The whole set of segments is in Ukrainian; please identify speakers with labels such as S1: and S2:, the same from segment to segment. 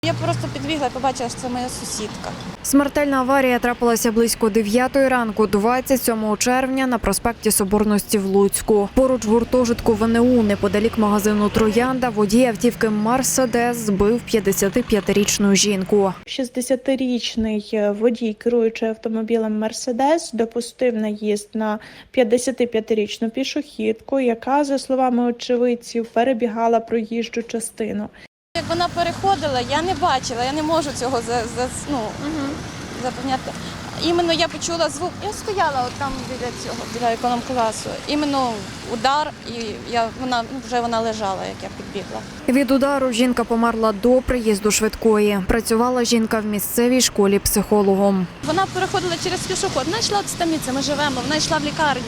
S1: Я просто підбігла і побачила, що це моя сусідка.
S2: Смертельна аварія трапилася близько 9 ранку 27 червня на проспекті Соборності в Луцьку. Поруч гуртожитку ВНУ, неподалік магазину «Троянда», водій автівки «Мерседес» збив 55-річну жінку.
S3: 60-річний водій, керуючи автомобілем «Мерседес», допустив наїзд на 55-річну пішохідку, яка, за словами очевидців, перебігала проїжджу частину.
S1: Як вона переходила, я не бачила, я не можу цього запевняти. Іменно я почула звук, я стояла от там біля економ-класу. Іменно удар, і вона лежала, як я підбігла.
S2: Від удару жінка померла до приїзду швидкої. Працювала жінка в місцевій школі психологом.
S1: Вона переходила через пішохід, вона йшла з Таміці, ми живемо, вона йшла в лікарню,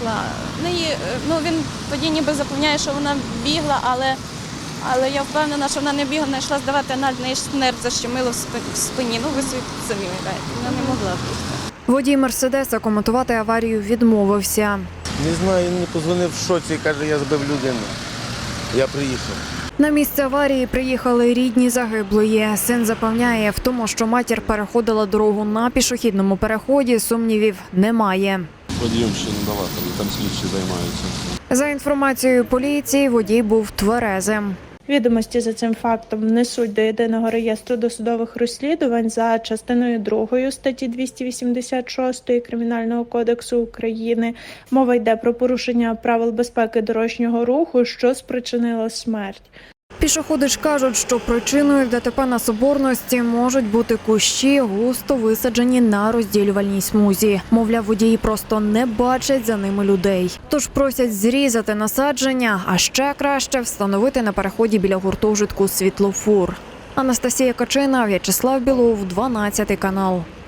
S1: він тоді ніби запевняє, що вона бігла, але я впевнена, що вона не бігла, вона йшла здавати аналіз, в неї нерв защемило в спині. Ви самі уявляєте, вона не могла бігти.
S2: Водій «Мерседеса» коментувати аварію відмовився.
S4: Не знаю, він мені подзвонив в шоці і каже, я збив людину. Я приїхав.
S2: На місце аварії приїхали рідні загиблої. Син запевняє, в тому, що матір переходила дорогу на пішохідному переході, сумнівів немає.
S5: Водієм ще не давати, там слідчі займаються.
S2: За інформацією поліції, водій був тверезим.
S3: Відомості за цим фактом внесуть до Єдиного реєстру досудових розслідувань за частиною 2 статті 286 Кримінального кодексу України. Мова йде про порушення правил безпеки дорожнього руху, що спричинило смерть.
S2: Пішоходи ж кажуть, що причиною ДТП на Соборності можуть бути кущі, густо висаджені на розділювальній смузі. Мовляв, водії просто не бачать за ними людей. Тож просять зрізати насадження, а ще краще встановити на переході біля гуртожитку світлофор. Анастасія Качина, В'ячеслав Білов, 12 канал.